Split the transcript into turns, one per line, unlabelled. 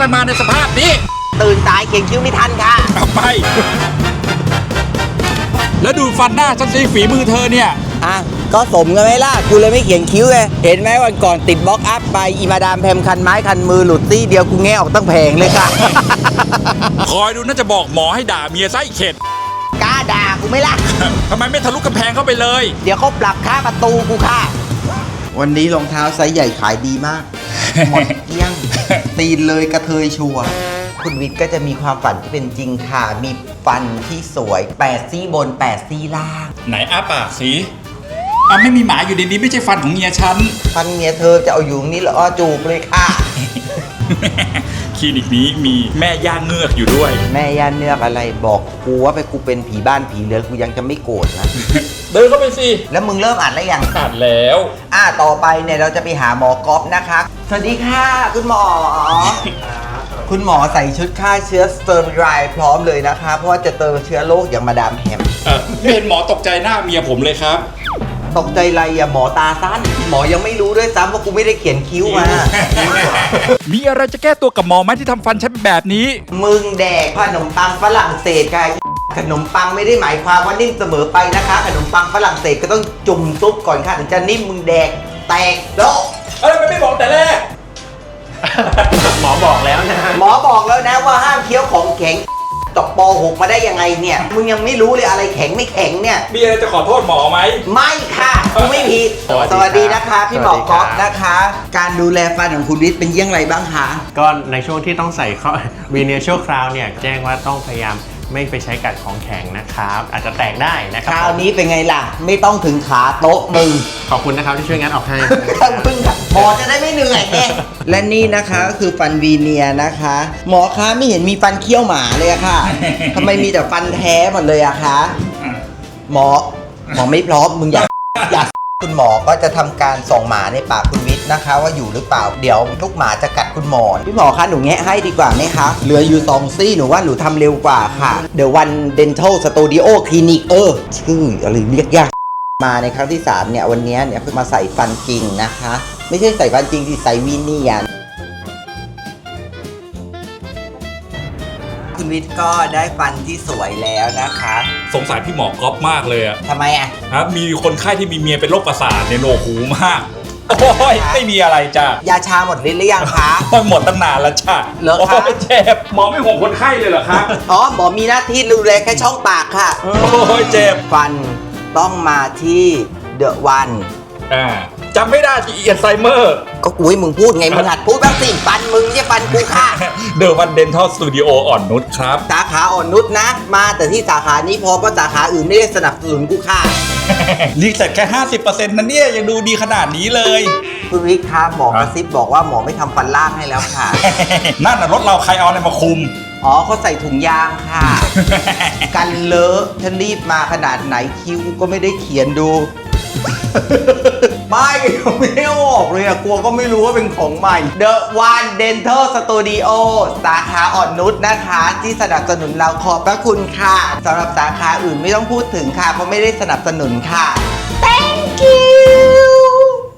อะไรมาในสภาพนี้
ตื่นสายเขียนคิ้วไม่ทันค่ะ
เอาไปแล้วดูฟันหน้าฉันสิฝีมือเธอเนี่ย
ก็สมกันไหมล่ะกูเลยไม่เขียนคิ้วไงเห็นไหมวันก่อนติดบล็อกอัพไปอีมาดามแพมคันไม้คันมือหลุดซี่เดียวกูแงะออกตั้งแผงเลยค่ะ
คอยดูน่าจะบอกหมอให้ด่าเมียไส้เข็ด
กล้าด่ากูไหมล่ะ
ทำไมไม่ทะลุกำแพงเข้าไปเลย
เดี๋ยวเขาปรับค่าประตูกูค่ะวันนี้รองเท้าไซส์ใหญ่ขายดีมากหมดเกลี้ยงตีนเลยกระเทยชัวคุณวิทย์ก็จะมีความฝันที่เป็นจริงค่ะมีฟันที่สวย8ซี่บน8ซี่ล่าง
ไหนอ้าปากสิไม่มีหมาอยู่ในนี้ไม่ใช่ฟันของเมียฉัน
ฟันเมียเธอจะเอาอยู่นี่เหรอจูบเลยค่ะ
คลินิกนี้มีแม่ย่าเงือกอยู่ด้วย
แม่ย่าเงือกอะไรบอกกูว่าไปกูเป็นผีบ้านผีเรือนกูยังจะไม่โกรธนะ
เดินเข้าไปสิ
แล้วมึงเริ่มอ่านแล้วยัง
อ่านแล้ว
ต่อไปเนี่ยเราจะไปหาหมอก๊อฟนะคะสวัสดีค่ะคุณหมอคุณหมอใส่ชุดฆ่าเชื้อสเตอร์ไรพร้อมเลยนะคะเพราะว่าจะเติมเชื้อโรคอย่างมาดามแฮม
ไม่เห็นหมอตกใจหน้าเมียผมเลยครับ
ตกใจอะไรอะหมอตาสั้นหมอยังไม่รู้ด้วยซ้ำว่ากูไม่ได้เขียนคิ้วมา
มีอะไรจะแก้ตัวกับหมอไหมที่ทำฟันฉันแบบนี้
มึงแดกขนมปังฝรั่งเศสค่ะขนมปังไม่ได้หมายความว่านิ่มเสมอไปนะคะขนมปังฝรั่งเศสก็ต้องจุ่มซุปก่อนค่ะถึงจะนิ่มมึงแดกแตกโลก
อะไรไม่บอกแต่แรก
หมอบอกแล้วนะ
หมอบอกแล้วนะว่าห้ามเคี้ยวของแข็งตกป.6 มาได้ยังไงเนี่ยมึงยังไม่รู้เลยอะไรแข็งไม่แข็งเนี่ย
มีอะไรจะขอโทษหมอไหม
ไม่ค่ะกูไม่ผิดสวัสดีนะคะพี่หมอก๊อฟนะคะการดูแลฟันของคุณวิทย์เป็นยังไงบ้างคะ
ก็ในช่วงที่ต้องใส่วีเนียร์ชั่วคราวเนี่ยแจ้งว่าต้องพยายามไม่ไปใช้กัดของแข็งนะครับอาจจะแตกได้นะครับ
คราวนี้เป็นไงล่ะไม่ต้องถึงขาโต๊ะมึง
ขอบคุณนะครับที่ช่วยงานออกให้
ขอบคุณครับหมอจะได้ไม่เหนื่อยไงและนี่นะคะก็คือฟันวีเนียนะคะหมอคะไม่เห็นมีฟันเคี้ยวหมาเลยอะค่ะทำไมมีแต่ฟันแท้หมดเลยอะคะหมอไม่พร้อมมึงอยากคุณหมอก็จะทำการส่องหมาในปากคุณวิทย์นะคะว่าอยู่หรือเปล่าเดี๋ยวลูกหมาจะกัดคุณหมอพี่หมอคะหนูแงะให้ดีกว่าไหมคะเหลืออยู่2ซี่หนูว่าหนูทำเร็วกว่าค่ะ The One Dental Studio Clinic ชื่ออะไรเรียกยากมาในครั้งที่3เนี่ยวันนี้เนี่ยเพิ่งมาใส่ฟันจริงนะคะไม่ใช่ใส่ฟันจริงที่ใส่วีเนียร์คุณวิทย์ก็ได้ฟันที่สวยแล้วนะคะ
สงสัยพี่หมอก๊อฟมากเลยอะ
ทำไมอะ
ครับมีคนไข้ที่มีเมียเป็นโรคประสาทเนี่ยโหนวกหูมากโอ้ยไม่มีอะไรจ้ะ
ยาชาหมดฤทธิ์หรือยังคะ
หมดตั้งนานแล้วจ้ะ
เหรอคะ
เจ็บหมอไม่ห่วงคนไข้เลยเหรอครับ
หมอมีหน้าที่ดูแลแค่ช่องปากค่ะ
โอ้ยเจ็บ
ฟันต้องมาที่เดอะวัน
จำไม่ได้จีอัลไซเมอร์
ก็กูให้มึงพูดไงมึงหัดพูดบ้างสิฟันมึงไม่ใช่ฟันกูค่ะ
The One Dental Studio อ่อนนุชครับ
สาขาอ่อนนุชนะมาแต่ที่สาขานี้พอเพราะสาขาอื่นไม่ได้สนับสนุนกูค่ะ
รีเซ็ตแค่ 50% นะเนี่ยยังดูดีขนาดนี้เลย
คุณวิทย์คะหมอกระซิบบอกว่าหมอไม่ทำฟันล่างให้แล้วค่ะ
นั่นน่ะรถเราใครเอาอะไรมาคุม
เขาใส่ถุงยางค่ะกันเลอะฉันรีบมาขนาดไหนคิ้วก็ไม่ได้เขียนดูไม่ออกเลยอะกลัวก็ไม่รู้ว่าเป็นของใหม่ The One Dental Studio สาขาอ่อนนุชนะคะที่สนับสนุนเราขอบพระคุณค่ะสำหรับสาขาอื่นไม่ต้องพูดถึงค่ะเพราะไม่ได้สนับสนุนค่ะ Thank you